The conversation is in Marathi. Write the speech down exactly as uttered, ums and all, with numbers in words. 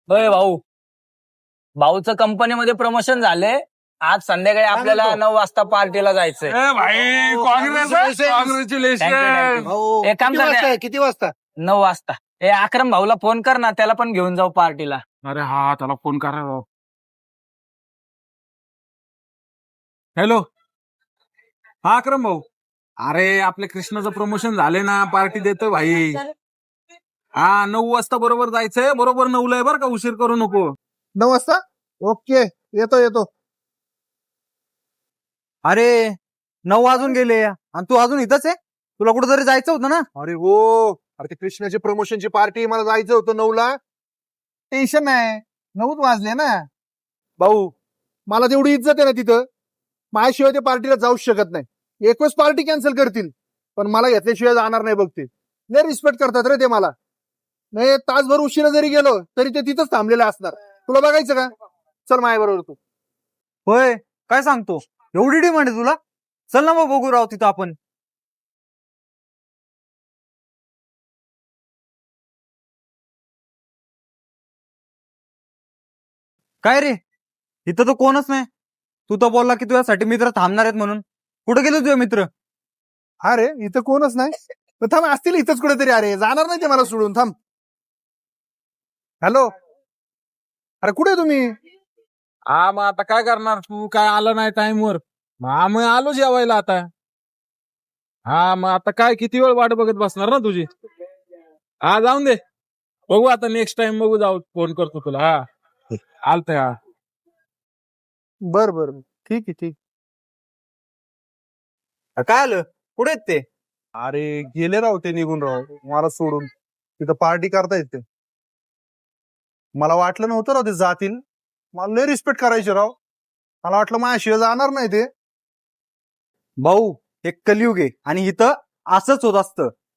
होय भाऊ, भाऊचं कंपनीमध्ये प्रमोशन झाले. आज संध्याकाळी आपल्याला नऊ वाजता पार्टीला जायचंय. ए भाई congrats Thank you, congratulation. thank you. भाऊ, एक काम किती कर वाजता ना. आहे? किती वाजता? नऊ वाजता ए अक्रम भाऊला फोन कर ना, त्याला पण घेऊन जाऊ पार्टीला. अरे हा त्याला फोन करा राव. हॅलो हा अक्रम भाऊ, अरे आपल्या कृष्णाचं प्रमोशन झाले ना, पार्टी देतो भाई. हा नऊ वाजता बरोबर जायचंय, बरोबर नऊला आहे बरं का, उशीर करू नको. नऊ वाजता ओके, येतो येतो. अरे नऊ वाजून गेले आणि तू अजून इथंच आहे? तुला कुठेतरी जायचं होतं ना? अरे हो, अरे ते कृष्णाची प्रमोशनची पार्टी मला जायचं होतं नऊला. टेन्शन नाही, नऊच वाजले ना. भाऊ मला तेवढी इज्जत आहे ना तिथं, माझ्याशिवाय ते पार्टीला जाऊच शकत नाही. एकच पार्टी कॅन्सल करतील, पण मला घेतल्याशिवाय जाणार नाही बघ. ते नाही रिस्पेक्ट करतात रे ते मला. नाही तासभर उशिरा जरी गेलो तरी ते तिथंच थांबलेले असणार. तुला बघायचं का? चल माझ्या बरोबर तू. होय, काय सांगतो? एवढी डिमांड आहे तुला? चल ना मग बघू राव तिथं आपण. काय रे, इथं तर कोणच नाही. तू तर बोलला की तुझ्यासाठी मित्र थांबणार आहेत म्हणून. कुठे गेले तुझे मित्र? अरे इथं कोणच नाही. तर थांब, असतील इथंच कुठेतरी. अरे जाणार नाही ते मला सोडून. थांब. हॅलो, अरे कुठे तुम्ही? हा मग आता काय करणार, तू काय आला नाही टाइमवर, मग आम्ही आलो जेवायला आता. हा मग आता काय किती वेळ वाट बघत बसणार ना तुझी. हा जाऊन दे, बघू आता नेक्स्ट टाइम बघू, जाऊ फोन करतो तुला. हा आलतंय. हा बर बर, ठीक आहे ठीक. काय आलं? कुठे आहेत ते? अरे गेले राव ते, निघून राव मला सोडून. तिथं पार्टी करतायत ते. मला वाटलं नव्हतं राव ते जातील. मला लय रिस्पेक्ट करायचे राव. मला वाटलं माझ्याशिवाय जाणार नाही ते. भाऊ, एक कलियुग आहे आणि इथं असंच होत असतं.